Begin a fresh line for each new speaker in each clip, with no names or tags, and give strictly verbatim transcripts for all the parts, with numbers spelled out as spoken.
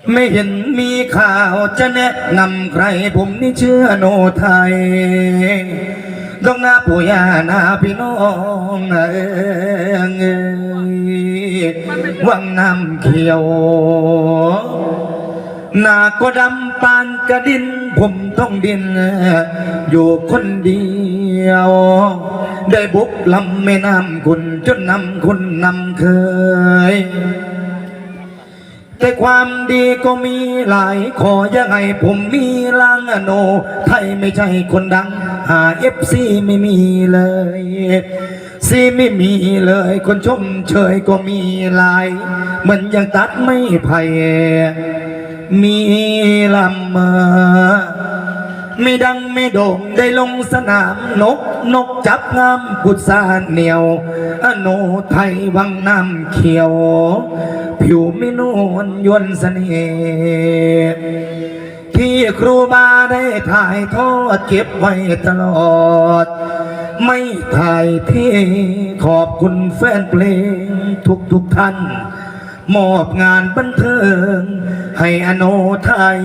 ไม่เห็นมีข่าวจะแนะนำใครผมนี่เชื่อโนไทยดอกนาปู่ย่านาพี่น้องเอ้ยวังน้ำเขียวนาก็ดำปานกระดินผมต้องดินอยู่คนเดียวได้บุกลำแม่น้ำคุณจนนำคุณนำเคยแต่ความดีก็มีหลายขอยังไงผมมีล้างโนไทยไม่ใช่คนดังหาเอฟซีไม่มีเลยซีไม่มีเลยคนชมเชยก็มีหลายเหมือนยังตัดไม่ไผ่มีลำมาไม่ดังไม่โด่งได้ลงสนามนกนกจับงามกุศลเหนียวอโนไทยวังน้ำเขียวผิวไม่นวลยวนเสน่ห์ที่ครูบาได้ถ่ายทอดเก็บไว้ตลอดไม่ถ่ายที่ขอบคุณแฟนเพลงทุกทุกท่านมอบงานบันเทิงให้อโนไทย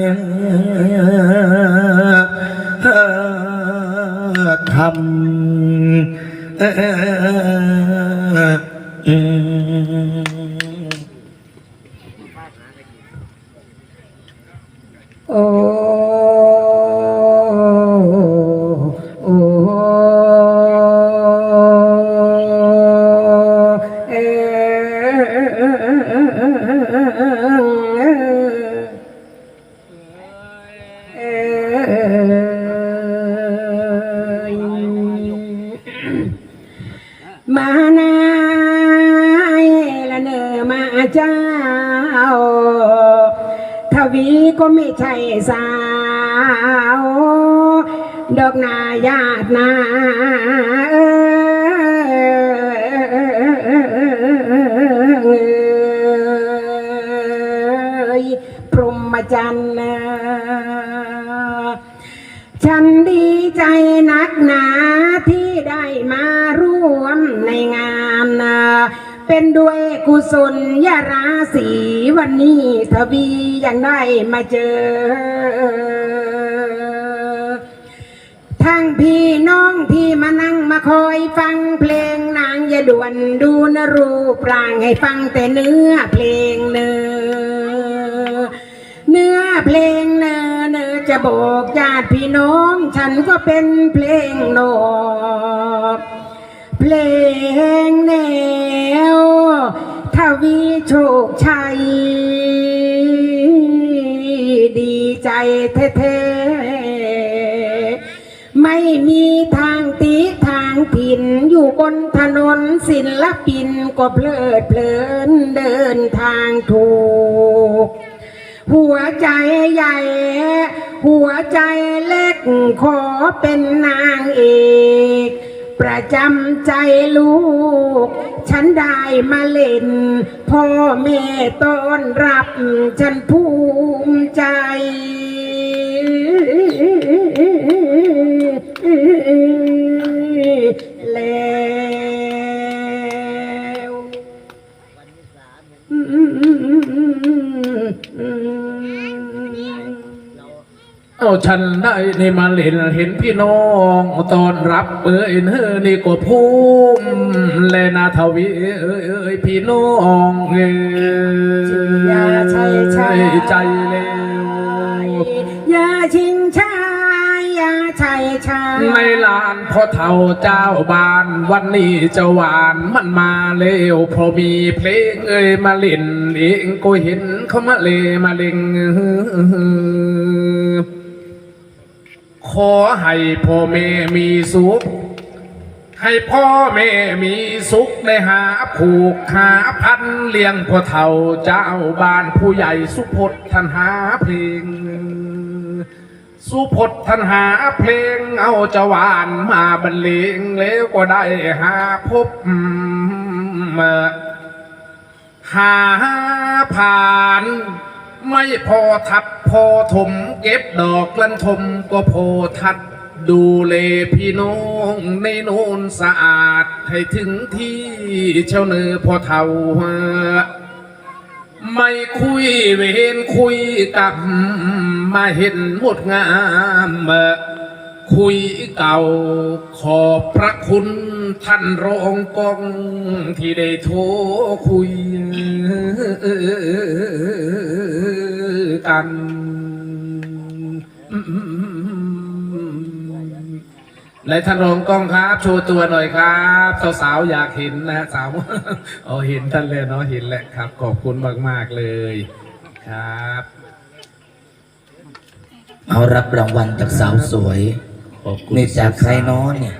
ทำโอ้โอ้เอมานาละเนอมาเจ้าทวีก็ไม่ใช่สาวดอกนาญาตินาพรหมจรรย์ฉันดีใจนักหนาที่ได้มาร่วมในงานเป็นด้วยกุศลยาราศีวันนี้ทวียังได้มาเจอทั้งพี่น้องที่มานั่งมาคอยฟังเพลงนางอย่าด่วนดูนรูปร่างให้ฟังแต่เนื้อเพลงเนื้อเนื้อเพลงเนื้อเนื้อจะบอกญาติพี่น้องฉันก็เป็นเพลงโนเพลงแนวทวีโชคชัยดีใจแท้ๆไม่มีทางตีทางถิ่นอยู่บนถนนศิลปินก็เพลิดเพลินเดินทางถูกหัวใจใหญ่หัวใจเล็กขอเป็นนางเอกประจำใจลูกฉันได้มาเล่นพ่อแม่ต้อนรับฉันภูมิใจแล้ว
เอาฉันได้ในมาเห็นเห็นพี่น้องตอนรับเอ้ยเฮ้อนี่ก็ภูมิแลนาทวีเอ้ยเอ้ยพี่น้องเอ้ย
อย่าใช่ใช่
ใจเลย
อย่าชิงชายอย่าใช่ชาย
ในลานพ่อเฒ่าเจ้าบ้านวันนี้จะหวานมันมาเร็วพอมีเพลงเอ้ยมาเล่นเองก็เห็นเขามาเลมาเล่งขอให้พ่อแม่มีสุขให้พ่อแม่มีสุขได้หาผูกหาพันเลี้ยงพ่อเฒ่าเจ้าบ้านผู้ใหญ่สุพจน์ท่านหาเพลงสุพจน์ท่านหาเพลงเอาจะหวานมาบรรเลงแล้วก็ได้หาพบหาผ่านไม่พอทับพอถมเก็บดอกลันทมก็พอทัดดูเลพี่น้องในโน้นสะอาดให้ถึงที่เช่าเนื้อพอเท่าไม่คุยเวรคุยกับมาเห็นหมดงามคุยเก่าขอบพระคุณท่านรองกองที่ได้โทรคุยกันในท่านรองกองครับโชว์ตัวหน่อยครับสาวๆอยากเห็นนะสาวอ๋อเห็นท่านเลยเนาะเห็นแหละครับขอบคุณมากๆเลยครับ
เอารับรางวัลจากสาวสวย
ขอบคุณ
นี่จากใครน้อนเนี่ย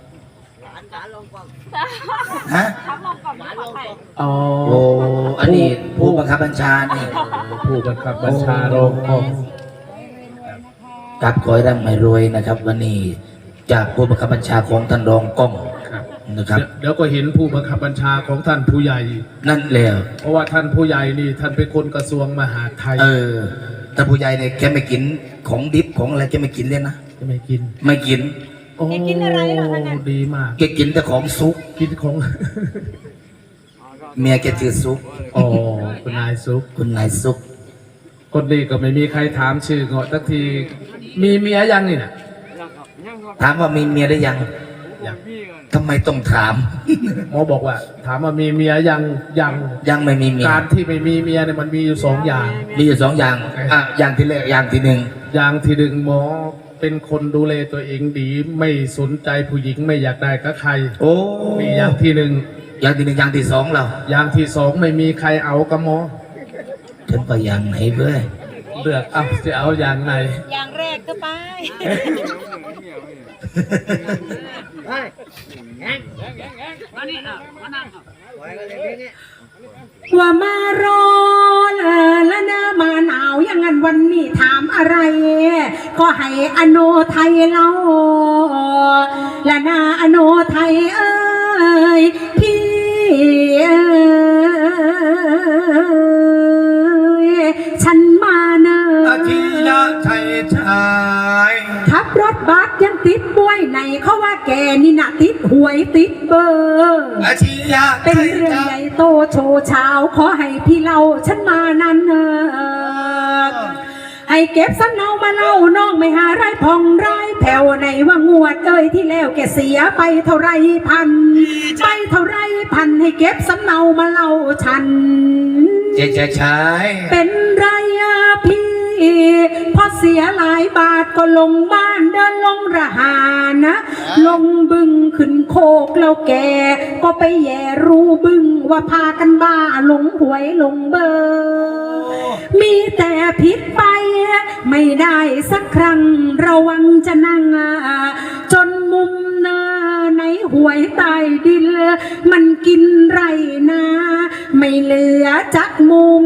ฮะ
อ๋อ
โอ้อันนี้ผู้บังคับบัญชานี่
ผู้บังคับบัญชารองกอง
กับขอให้ร่ำให้รวยนะครับ วันนี้จากผู้บังคับบัญชาของท่านรองกล้อง
ครับ
นะครับ
เดี๋ยวก็เห็นผู้บังคับบัญชาของท่านผู้ใหญ่
นั่นแหละ
เพราะว่าท่านผู้ใหญ่นี่ท่านเป็นคนกระทรวงมหาดไทย
เออท่านผู้ใหญ่เนี่ยแกไม่กินของดิบของอะไรแกไม่กินเลยนะ
จะไม่กิน
ไม่กิน
โอ้
แกกินอะไรเหรอคะเนี่ย
ดีมาก
แกกินแต่ของซุป
กินของ
เมียแกชื่อซุป
อ๋อคุณนายซุป
คุณนายซุป
คนนี้ก็ไม่มีใครถามชื่อเงาะสักทีมีเมียยังนี่นะ
ถามว่ามีเมียหรือยัง
ยัง
ทำไมต้องถาม
หมอบอกว่า ถามว่ามีเมียยังยัง
ยังไม่มีเมีย
การที่ไม่มีเมียเนี่ยมันมีอยู่สองอย่าง
มีอยู่สองอย่างอ่ะอย่างที่แรกอย่างที่หนึ่ง
อย่างที่หนึ่งหมอเป็นคนดูแลตัวเองดี ไม่สนใจผู้หญิงไม่อยากได้กับใคร
โอ้
มีอย่างที่หนึ่ง
อย่างที่หนึ่งอย่างที่สองเรา
อย่างที่สองไม่มีใครเอากับหมอ
ฉันไปอย่างไหนเพื่อ
เลือกเอาจะเอาอย่างไหน
อย่างแรกก็ไป
ว่ามาร้อนเออและเนอมาหนาวอย่างนั้นวันนี้ถามอะไร ก็ให้อโนไทยเล่าและนาอโนไทยเอ้ยพี่เอ้ยฉันมาเนอ
อาทิยะไทยชาย
ขับรถบัสยังติดบ้วยไหนเขาว่าแกนี่นะติดหวยติดเบอร์
อาทิยะไท
เป็น
ย
เรื่อง
ชา
ให
ย
ญ่โตโชว์เช้าขอให้พี่เล่าฉันมานั้นเออให้เก็บสำเนามาเล่าน้องไม่หาไรพองไรแผ่วในว่างวดเอ้ยที่แล้วแกเสียไปเท่าไรพันไปเท่าไรพันให้เก็บสำเนามาเล่าฉัน
เจ๊ชาย
เป็นไรอะพี่พอเสียหลายบาทก็ลงบ้านเดินลงระหานะ ลงบึงขึ้นโคกแล้วแก ก็ไปแย่รู้บึงว่าพากันบ้าหลงหวยหลงเบอร์มีแต่ผิดไปไม่ได้สักครั้งระวังจะนั่งจนมุมเนอในหวยใต้ดินมันกินไรนา ไม่เหลือจักมุม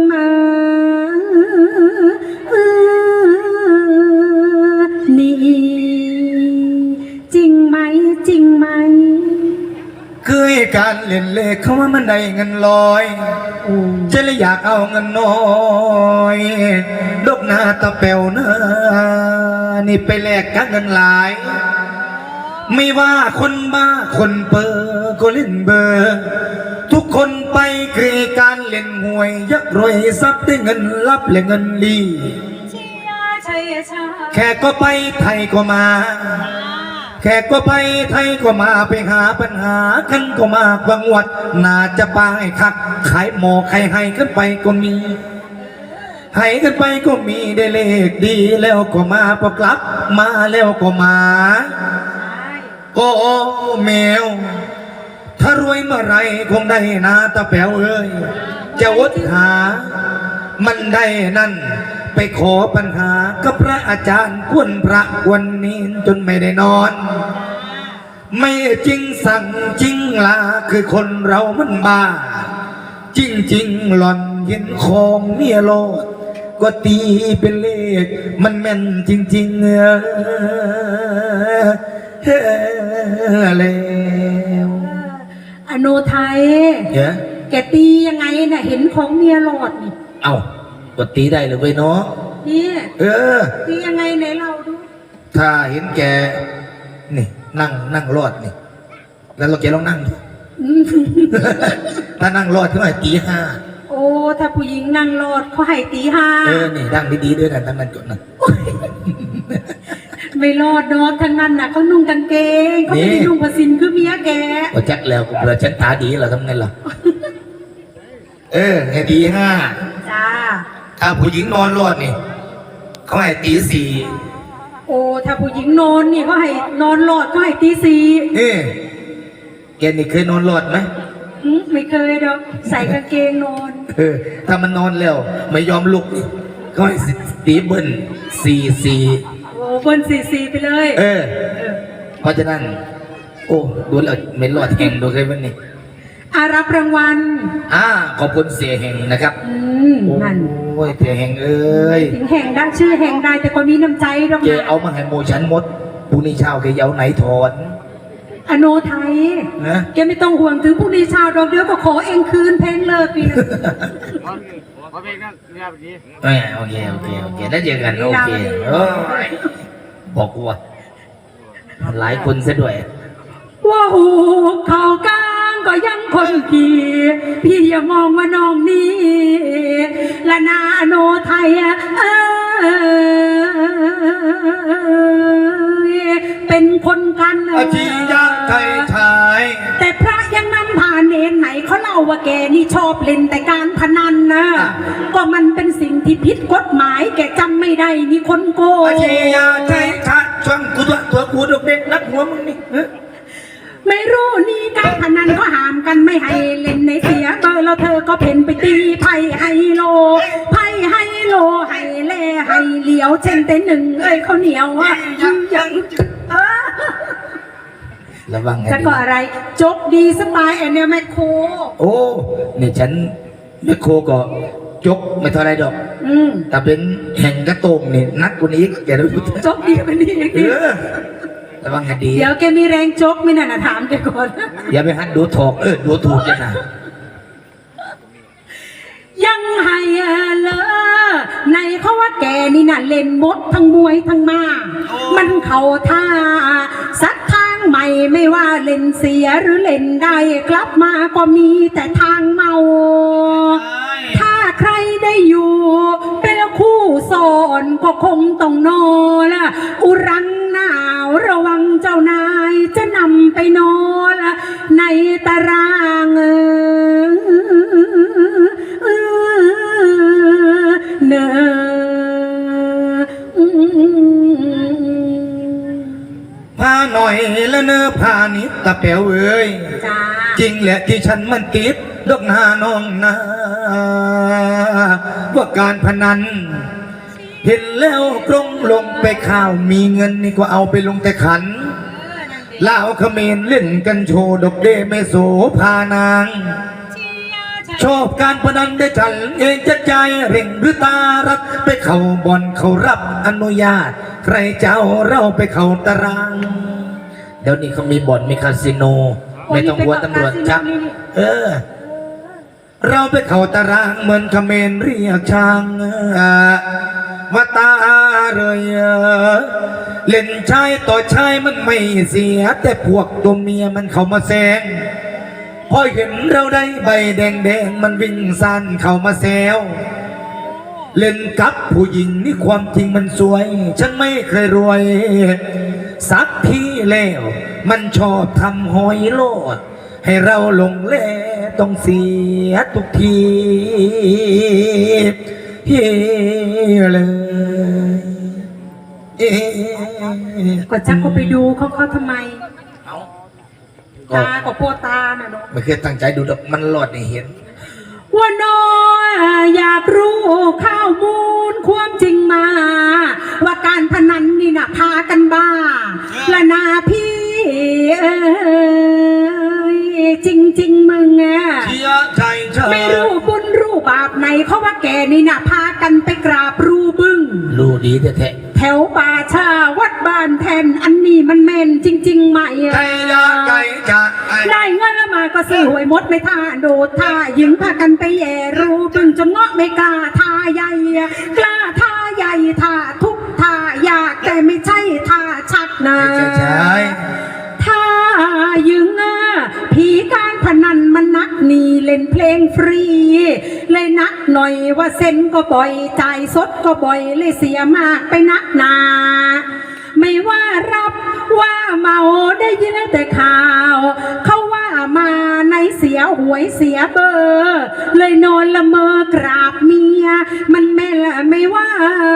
นี่จริงไหมจริงไหม
คือการเล่นเลขเขาว่ามันได้เงินลอยจะเลยอยากเอาเงินน้อยดกหน้าตะเปวนะนี่ไปแลกกับเงินหลาย ไม่ว่าคนบ้าคนเปอร์ก็เล่นเบอร์ ทุกคนไปเกรการเล่นหวยยักรวยทรัพย์ได้เงินรับและเงินลี
เชียร์ชัยชา
แขกก็ไปไทยก็มา แขกก็ไปไทยก็มาไปหาปัญหากันก็มากบางวัดน่าจะปายคักขายหมอใครให้กันไปก็มี ให้กันไปก็มีได้เลขดีแล้วก็มาพอกลับมาแล้วก็มา โอ้แมว ถ้ารวยเมื่อไรคงได้นาตาแป๋วเอ้ยจะวดหา มันได้นั่น ไปขอปัญหากับพระอาจารย์กวนพระวันนี้จนไม่ได้นอน ไม่จริงสั่งจริงลาคือคนเรามันบ้า จริงจริงหล่อนเห็นของเมียโลด ก็ตีเป็นเลข มันแม่นจริง ๆ เออเฮ้แล้ว
อโนไทย
เฮ้ย
แกตียังไงน่ะเห็นของเมียหลอดนี่
เอ้าก็ตีได้เลยเว้ยเนาะ
นี่
เออ
ตียังไงไหนเราดู
ถ้าเห็นแก นี่นั่งนั่งรอดนี่ แล้วเราแกลองนั่งดู
อืม
ถ้านั่งรอดขึ้นมาตีห้า
โอ้ถ้าผู้หญิงนั่งรถเขาให้ตีห้า
เออนี่ดังดีๆด้วยกันทั้งนั้นจดนะ
ไม่รอดดอกทั้งนั้นน่ะเขานุ่งกางเกงเขาไม่ได้นุ่งผ้าสินคือเมียแก
ก็จักแล้วกูเบื่อฉันตาดีเหรอทำไงล่ะ เออไงตีห้า
จ้า
ถ้าผู้หญิงนอนรอดนี่เขาให้ตีสี่
โอ้ถ้าผู้หญิงนอนนี่เขาให้นอนรอดเขาให้ตีสี่
เอ๊ะแกนี่เคยนอนรอดไหม
หึไม่เคยดอกใส่กางเกงนอน
เออถ้ามันนอนแล้วไม่ยอมลุกนี่เขาให้ตีเบิ้ลสี่สี่
โอ้เบิ้ลสี่สี่ไปเลย
เออ เพราะฉะนั้น โอ้ดูแล้วไม่รอดแห่งดูเคยวันนี้
อารับรางวัล
อ่าขอบคุณเสียแห่งนะครับ
อืมนั่น
โอ้ยเสียแห่งเอ้ย
ถึงแห่งได้ชื่อแห่งได้แต่ก็มีน้ำใจดอก
แก
นะ
เอามาให้โมฉันหมดปุนี้เช้าแกเอาไหนถอน
อโนไทย
นะ
แกไม่ต้องห่วงถึงพรุ่งนี้เช้าดอกเดียวก็ขอเองคืนเพลงเลิกปีนะ
ขอเพลงนั้นเรียบดี
เออโอเคโอเคโอเคแล้วเจอกันโอเคโอ้ยบอกกูว่าหลายคนซะด้วย
ว่าหูเขากลางก็ยังคนขี่พี่อย่ามองว่าน้องนี่ละนาอโนไทยอะเอ้ยเป็นคนกัน
อาชียะไทยชาย
แต่พระยังนำผ่านเนนไหนเขาเล่าว่าแกนี่ชอบเล่นแต่การพนันนะก็มันเป็นสิ่งที่ผิดกฎหมายแกจำไม่ได้นี่คนโกง
อาชียะไทยชายช่างกูตัวตัวกูเด็กนักหัวมึงนี่
ไม่รู้นี่การพนันก็ห้ามกันไม่ให้เล่นในเสียเบอร์แล้วเธอก็เพ่นไปตีไพ่ไฮโลไพ่ไฮโลไฮเล่ไฮเหลียวเช่นแต่หนึ่งเอ้ยเขาวเหนียวอ่ะยังยังเออ
ระวังไง
จะ
ดี
ก็อะไรจกดีสบายแอนเนี่ยแม่โค
โอ้เนี่ยฉันแม่โคก็จกไม่เท่าไรดอก
อืม
แต่เป็นแห่งกระโตงนี่นักกว่านี้แกรู้
จกดีกว่านี้อีก
เออระวังให้ดี
เดี๋ยวแกมีแรงจกไหม่น่ะนะถามแกก่อน
อย่าไปหัดดูถอกเออดูถูกจะนะ
ยังให้เลอในเขาว่าแกนี่น่ะเล่นมดทั้งมวยทั้งมามันเข่าท่าสัดทางใหม่ไม่ว่าเล่นเสียหรือเล่นได้กลับมาก็มีแต่ทางเมา ถ้าใครได้อยู่เป็นคู่สอนก็คงต้องนอนละอุรังหนาวระวังเจ้านายจะนำไปนอนละในตารางเออเนอ
พาหน่อยแล้วเนื้อพานิดตะแป๋วเอ้ย
จ้า
จริงแหละที่ฉันมันติดดอกหน้าน้องนาว่าการพนัน เห็นแล้วกรงลงไปข่าวมีเงินนี่ก็เอาไปลงแต่ขันลาวเขมรเล่นกันโชว์ดอกเดไม่โสพานาง ชอบการพนันได้ฉันเองจะใจเร่งหรือตารักไปเข้าบ่อนเขารับอนุญาต ใครเจ้าเราไปเข้าตาราง เดี๋ยวนี้เขามีบ่อนมีคาสิโน ไม่ต้องกลัวตำรวจจับ เออ เราไปเข้าตารางเหมือนเขมรเรียกช่างว่าตาเลยเล่นชายต่อชายมันไม่เสีย แต่พวกตัวเมียมันเข้ามาแซงพอเห็นเราได้ใบแดงแดงมันวิ่งสั้นเข้ามาแซวเล่นกับผู้หญิงนี่ความจริงมันสวย ฉันไม่เคยรวย สักทีแล้วมันชอบทำหอยโลด ให้เราหลงเล่ต้องเสียทุกทีเฮ้เลยเอ๊ะ
ก็จักก็ไปดูเขาเขาทำไม
เอาก็
ตาก็โปวดตาน่ะเนาะ
ไม่เคยตั้งใจดูดอกมันหลอดให้เห็น
ว่าน้อยอยากรู้ข้าวมูลความจริงมา ว่าการพนันนี่น่ะพากันบ้าละนาพี่เอ้ยจริงจริงๆมึงอะ
เชียใจเธอ
ไม่รู้บุญรู้บาปไหนเขาว่าแกนี่น่ะพากันไปกราบรูบึ้ง
รู้ดีแท้
แถวป่าชาวัดบ้านแทนอันนี้มันแม่นจริงๆไหม
ๆ
อะ
ใจยาใจจะไอ้
ได้เงินแล้วมาก็ซื้อหวยมดไม่ท่าโดดท่าหญิงพากันไปแย่รูบึ้งจนเงาะไม่กล้าท่าใหญ่กล้าท่าใหญ่ท่าทุกท่าอยากแต่ไม่ใช่ท่าชักนะ
ใช่ใช่
ท่ายึงอ่ะผีการพนันมันนักหนีเล่นล่นเพลงฟรี เลยนักหน่อยว่าเซ็นก็บ่อยจ่ายสดก็บ่อยเลยเสียมากไปนักหนา ไม่ว่ารับว่าเมาได้ยินแต่ข่าว เขาว่ามาในเสียหวยเสียเบอร์ เลยนอนละเมอกราบเมีย มันแม่ละไม่ว่า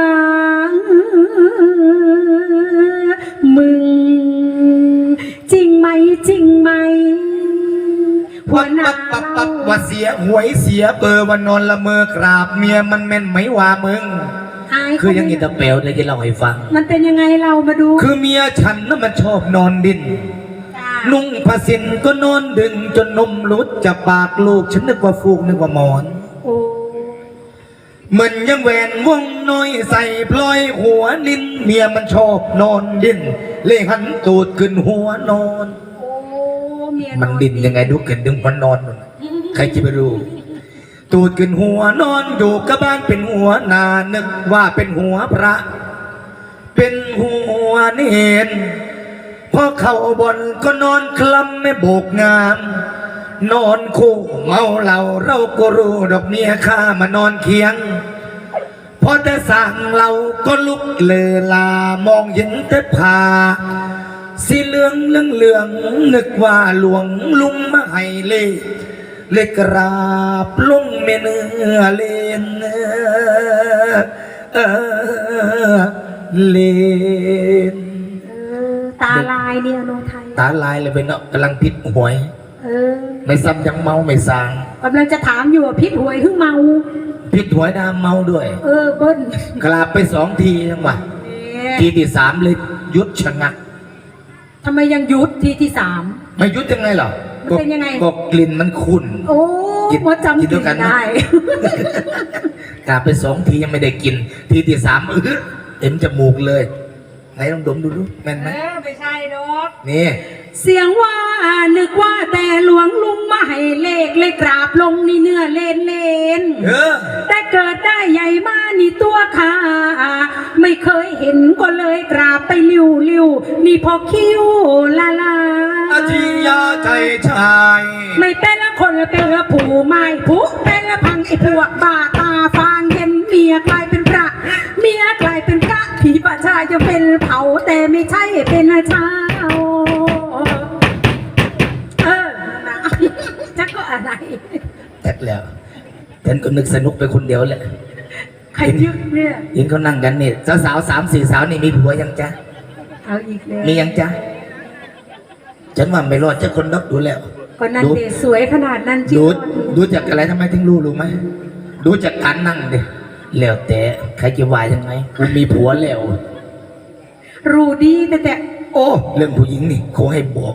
มึงจริงไหมจริงไหมหัว
วัด
หน้า
ปับปับปับว่าเสียหวยเสียเบอร์วันนอนละเมอกราบเมียมันแม่นไหมว่ามึง
อาย
คือยังอินเตอร์เปลเลยจะเล่าให้ฟัง
มันเป็นยังไงเรามาดู
คือเมียฉันน่ะมันชอบนอนดิน
จ้า
นุ่งผ้าสินก็นอนดึงจนนมหลุดจากปากลูกฉันนึกว่าฟูกนึกว่าหมอน
โอ้
เหมือนยังแหวนวงน้อยใส่พลอยหัวนินเมียมันชอบนอนดิน เลยหันตูดขึ้นหัวนอน
โอ้เมีย
มันดินยังไงดูเกินดึงมันนอนมันใครจะไปรู้ ตูดขึ้นหัวนอนอยู่กับบ้านเป็นหัวนานึกว่าเป็นหัวพระ เป็นหัวเนนพอเข้าบนก็นอนคลำไม่โบกงาม นอนคู่เมาเหล้าเราก็รู้ดอกเมียข้ามานอนเคียง พอแต่สั่งเราก็ลุกเลอลามองเห็นแต่ผาสีเหลืองเหลืองเหลืองนึกว่าหลวงลุงมาให้เลเลยกราบลุงเมเนื้อเลนเออเลน
เออตาลายเนี่ยโนไทย
ตาลายเลยไปเนาะกำลังพิษหวย
เออ
ไม่ซ้ำยังเมาไม่สาง
กำลังจะถามอยู่ว่าพิษหวยหึ่งเมา
พิษหวยดามเมาด้วย
เออเบิ้ล
กราบไปสองทีจังหวะ
เอ๊ะ
ทีที่สามเลยหยุดชะงัก
ทำไมยังหยุดทีที่สาม
ไม่หยุดยังไงหรอ
มันเป็นยังไง
ก็กลิ่นมันขุ่น
โอ้
กิน
มดจำ
กินด้วยกันนะ
ได้
กราบไปสองทียังไม่ได้กิน ทีที่สามเออเต็มจมูกเลยไหนลองดมดูดูแม่นไหม
เออไม่ใช่ดอก
นี่
เสียงว่านึกว่าแต่หลวงลุงมาให้เลขเลยกราบลงนี่เนื้อเลนเลน
เออ
แต่เกิดได้ใหญ่มานี่ตัวขาไม่เคยเห็นก็เลยกราบไปลิวลิวนี่พอคิ้วลาลา
อาทิยาใจชาย
ไม่เป็นละคนเป็นละผู้ไม่ผู้เป็นละพังไอ้พวกบ้าตาฟางเห็นเมียกลายเป็นพระ เมียกลายเป็นพระผีประชาจะเป็นเผาแต่ไม่ใช่เป็นเช้าเออนะจะก็อะไร
แท็กแล้วฉันก็นึกสนุกไปคนเดียวแหละ
ใครยึดเนี่ย
เห็นเขานั่งกันนี่สาวๆสามสี่สาวนี่มีผัวยังจ๊ะ
เอาอีกแล้ว
มียังจ๊ะฉันว่าไม่รอดเจ้าคนนับดูแล้ว
ก็นั่นเดสวยขนาดนั้นจริง
ดูดูจากอะไรทำไมถึงรู้รู้ไหมดูจากการนั่งดิแล้วแต่ใครจะว่ายังไงกูมีผัวแล้ว
รู้ดีแต่แต่
โอ้เรื่องผู้หญิงนี่เขาให้บอก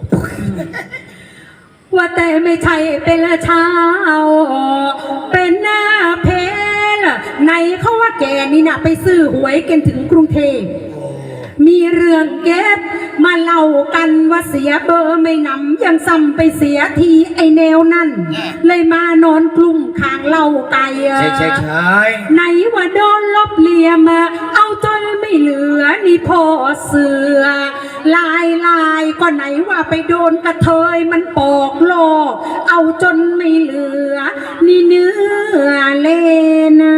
ว่าแต่ไม่ใช่เป็นเช้าเป็นหน้าเพลในเขาว่าแกนี่นะไปซื้อหวยกันถึงกรุงเทพมีเรื่องเก็บมาเล่ากันว่าเสียเบอร์ไม่นำยังซ้ำไปเสียทีไอแนวนั่น เลยมานอนกลุ่มข้างเล่าไก่
ใช่ใช่ใช่
ไหนว่าโดนลบเหลี่ยมเอาจนไม่เหลือนี่พอเสือลายลายก็ไหนว่าไปโดนกระเทยมันปอกโลกเอาจนไม่เหลือ นี่เนื้อเลนะ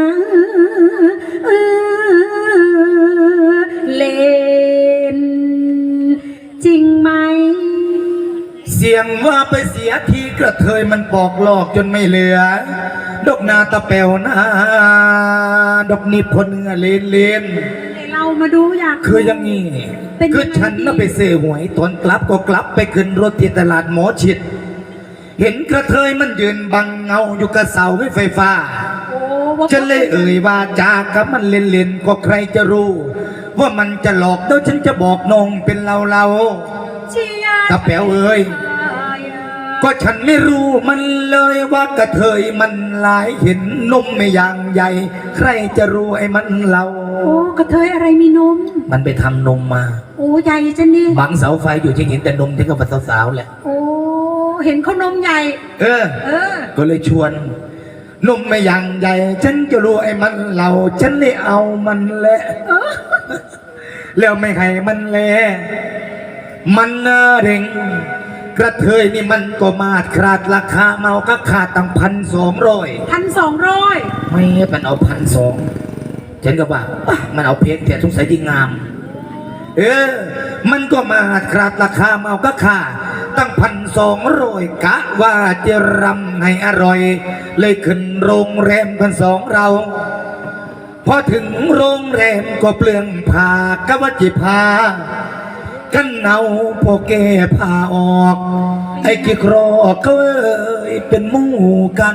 เลนจริงไหม
เสียงว่าไปเสียทีกระเทยมันปอกหลอกจนไม่เหลือ ดอกนาตะแปวนาดอกนิพนเนื้อเลนเลน
เรามาดูอยาก
คืออย่างนี้
เป็นยังไง
คือฉันน่ะไปซื้อหวยตอนกลับก็กลับไปขึ้นรถที่ตลาดหมอชิด เห็นกระเทยมันยืนบังเงาอยู่กับเสาไฟฟ้า
โอ้ว่า
ฉันเลยเอ่ยว่าจากับมันเล่นๆก็ใครจะรู้ ว่ามันจะหลอกเดี๋ยวฉันจะบอกน้องเป็นเราเรา
เชียร์
ตาแป๋วเอ่ยก็ฉันไม่รู้มันเลยว่ากระเทยมันหลายเห็นนมไม่อย่างใหญ่ ใครจะรู้ไอ้มันเรา
โอ้กระเทยอะไรมีนม
มันไปทำนมมา
โอ้ใหญ่จังนี่
บังเสาไฟอยู่ที่เห็นแต่นมที่กับสาวๆแหละ
โอ้เห็นเขานมใหญ่
เออ
เออ
ก็เลยชวนนมไม่อย่างใหญ่ ฉันจะรู้ไอ้มันเราฉันเลยเอามันแหละ
เออ
แล้วไม่ให้มันแลมันน่าเร่งกระเทยนี่มันก็มาดขาดราคาเมาก็ขาดตั้งพันสองร้อย
พันสองร้อย
ไม่มันเอาพันสองฉันก็ว่าป่ะมันเอาเพชรแต่สงสัยที่งาม เออ มันก็มาขาดราคาเมาก็ขาดตั้งพันสองร้อยกะว่าจะรำให้อร่อย เลยขึ้นโรงแรมพันสองเรา พอถึงโรงแรมก็เปลืองผ้ากะว่าจิพากันเอาพวกแกพาออกไอ้กี่ครอกก็เอ้ยเป็นหมู่กัน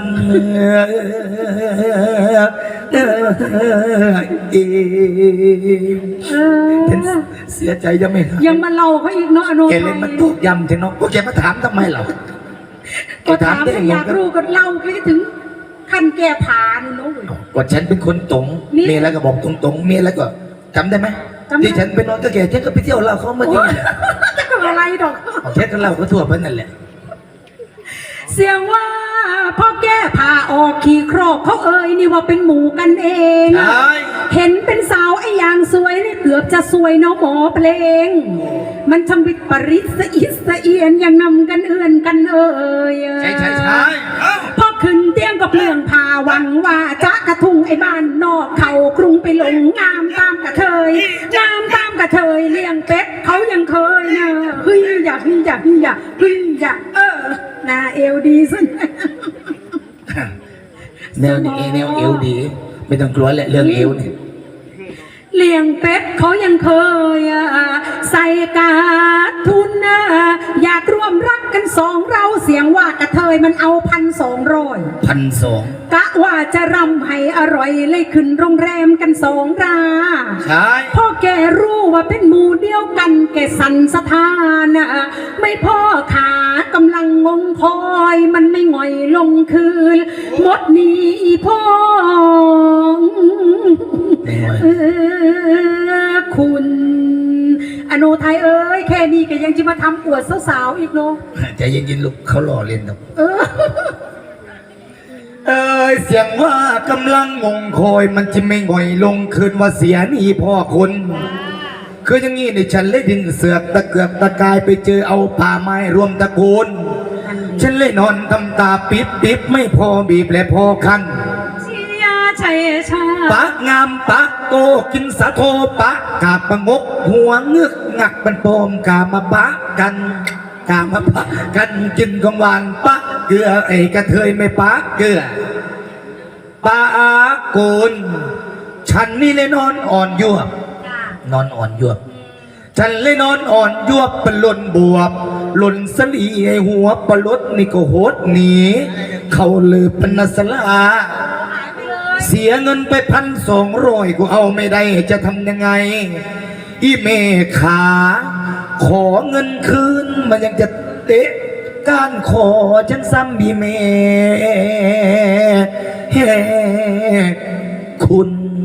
เออเอ
เออ
เสียใจยังไม่หาย
ยังมาเล่าเขาอีกเนาะอโน
แก
ไท
เล่น
ย
มันตกยำถึงเนาะพวกแกมาถามทำไมเหรอ
ก็ถาม
ได้
ถ้า
ไง
อยากรู้ก็เล่าไปถึงขั้นแก่ผานเนาะ
ก็ฉันเป็นคนตรง
นี่
เมียแล้วก็บอกตรงๆเมียแล้วก็จำได้ไหม
จำได้
ที่ฉันไปนอนกับแกฉันก็ไปเที่ยวเราเขาเมื่อกี้แหละ
จะก็อะไรดอก
แค่กันเราก็ทั่วไปนั่นแหละ
เสียงว่าพ่อแก้ผ่าออกขี่ครอกเขาเอ่ยนี่ว่าเป็นหมูกันเอง
ใช่
เห็นเป็นสาวไอ้อย่างสวยนี่เกือบจะสวยเนาะหมอเพลง มันช่างวิปริตสะอิดสะเอียนยังนำกันเอื่อนกันเอ่ย
ใช่ใช่ใช่เอ้า
พอขึ้นเตียงก็เปลืองผ่าหวังว่าจะกระทุงไอ้บ้านนอกเขากรุงไปหลงงามตามกระเทยงามตามกระเทยเลี้ยงเป็ดเขายังเคยนะเฮ้ยอยากอยากอยากเฮ้ยอยากเออหนาเอวดีสุด
แนวนี้แนวเอวดี ไม่ต้องกลัวแหละเรื่องเอวเนี่ย
เลี้ยงเป็ดเขายังเคยอะใส่กาทุนนะอยากร่วมรักกันสองเราเสียงว่ากระเทยมันเอาพันสองร้อย
พันสอง
กะว่าจะรำให้อร่อยเลยขึ้นโรงแรมกันสองรา
ใช่
พ่อแกรู้ว่าเป็นหมู่เดียวกันแกสันสถานนะไม่พ่อขากำลังงงคอยมันไม่ง่อยลงคืนหมดหนี้พ่อ
ไม่ไหว
เออคุณอโนไทยเอ้ยแค่นี้ก็ยังจะมาทำอวดสาวๆอีกเนาะ
ใจเย็นๆลูกเขาหล่อเล่นนะ
เออ
เอ้ยเสียงว่ากำลังงงคอยมันจะไม่ง่อยลงคืนว่าเสียหนี่พ่อคุณคืออย่างงี้ในฉันเลยดินเสือกตะเกือกตะกายไปเจอเอาป่าไม้รวมตระกูลฉันเลยนอนทำตาปิบปิบไม่พอบีบและพอคัน
เชียร์ชัยชา
ปากงามปากโตกินสะโทปะกาบประงกหัวเงือกงักเป็นโปมกามาปะกันกามาปะกันกินของหวานปะเกลือไอ้กระเทยไม่ปะเกลือปาโกนฉันนี่เลยนอนอ่อนยวบนอนอ่อนยวบฉันเลยนอนอ่อนยวบเป็นหล่นบวบหล่นสลีไอ้หัวปลดนี่ก็โหดหนีเขาลือเป็นนัสลาเสียเงินไปพันสองร้อยกูเอาไม่ได้จะทำยังไง อีเมขา ขอเงินคืนมันยังจะเตะการขอฉันซ้ำบีเมเฮคุณ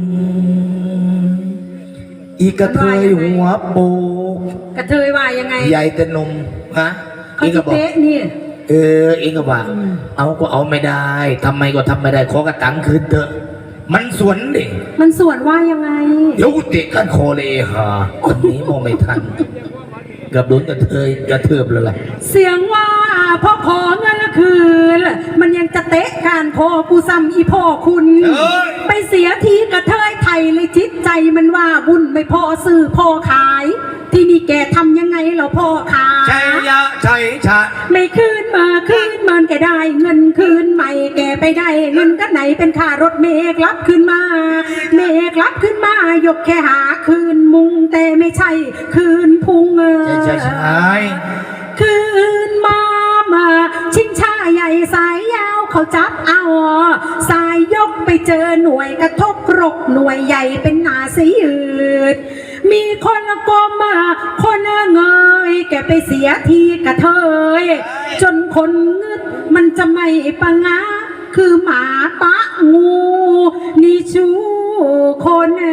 อีกระเทยหัวโปก
กระเทยว่ายังไง
ใหญ่แต่นมฮะ
เขา
อีก
จะ
ก็บอก
เตะนี่
เออเองก็ว่าเอาก็เอาไม่ได้ทำไมก็ทำไม่ได้ขอกระตังคืนเถอะ มันสวนดิ
มันส่วนว่ายังไง
เดี๋ยวกูเตะกันคอเลยฮะคนนี้มองไม่ทันเกือบโดนกระเทยกระเทือบแล้วล่ะ
เสียงว่าพ่อขอเงินละคืน มันยังจะเตะการคอกูซ้ำอีพ่อคุณ
เอ้ย
ไปเสียทีกระเทยไทยเลยจิตใจมันว่าบุญไม่พอซื้อพอขาย ที่นี่แกทำยังไงเหราพ่อขาย
ใช่ยะใช่ชะ
ไม่คืนมาคืนมันแกได้ เงินคืนใหม่แกไปได้ เงินกันไหนเป็นค่ารถเมกรับคืนมา เมกรับคืนมายกแค่หาคืนมุงแต่ไม่ใช่ คืนพุงเออ
ใช่ใช่ใช่
คืนมามาชิงช้าใหญ่สายยาวเขาจับเอา สายยกไปเจอหน่วยกระทบกรกหน่วยใหญ่เป็นหนาสีอืดมีคนละกมมาคนละเงยแกไปเสียทีกระเทย จนคนงึดมันจะไม่ปะงะ คือหมาปะงูนี่ชูคนเอ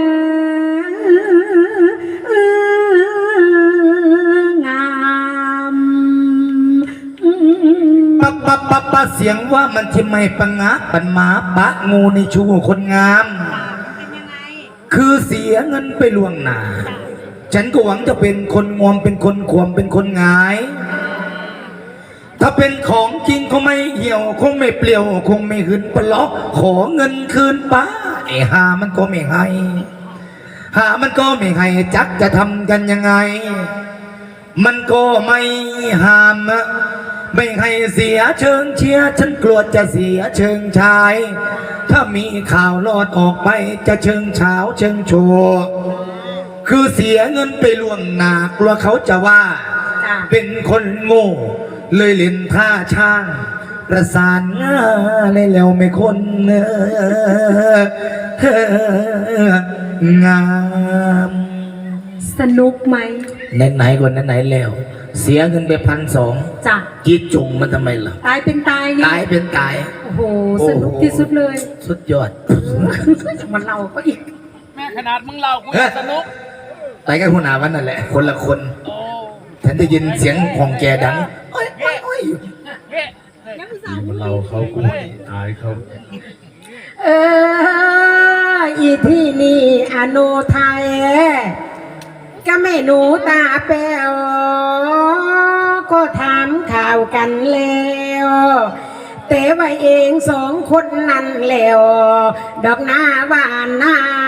องาม
ปะปะปะปะเสียงว่ามันที่ไม่ปังงะปันหมาปะงูในชูคนงาม
เป็นยังไง
คือเสียเงินไปล่วงหน้า ฉันก็หวังจะเป็นคนงวมเป็นคนขวมเป็นคนหงายถ้าเป็นของจริงคงไม่เหี่ยวคงไม่เปลี่ยวคงไม่หืนปลอกขอเงินคืนป้าไอ้หามันก็ไม่ให้หามันก็ไม่ให้จักจะทำกันยังไง มันก็ไม่ห้ามนะไม่ให้เสียเชิงเชียร์ฉันกลัวจะเสียเชิงชาย ถ้ามีข่าวลอดออกไปจะเชิงเช้าเชิงโชว์คือเสียเงินไปล่วงหน้ากลัวเขาจะว่า
จ้ะ
เป็นคนโง่เลยเล่นท่าช่าง ประสานงาเลยแล้วไม่คนเอองาม
สนุกไหม
ไหนๆก่อนไหนๆแล้ว เสียเงินไปพันสอง
จ้ะ
จีดจุงมันทำไมล่ะ
ตายเป็นตายนี่
ตายเป็นตาย
โอ้โหสนุกที่สุดเลย
สุดยอด
มันเราก็อีก
แม่ขนาดมึงเล่ากูยังสนุก
ไปกันหัวหน้าวันนั่นแหละ คนละคนฉันได้ยินเสียงของแกดังโอ้ยโอ้ยโอ้ย
มันเล่าเขากูอายเขา
เอออีที่นี่อโนไทยก็ไม่หนูตาแป๋วก็ถามข่าวกันแล้วแต่ว่าเองสองคนนั่นแล้วดอกหน้าหวานนาย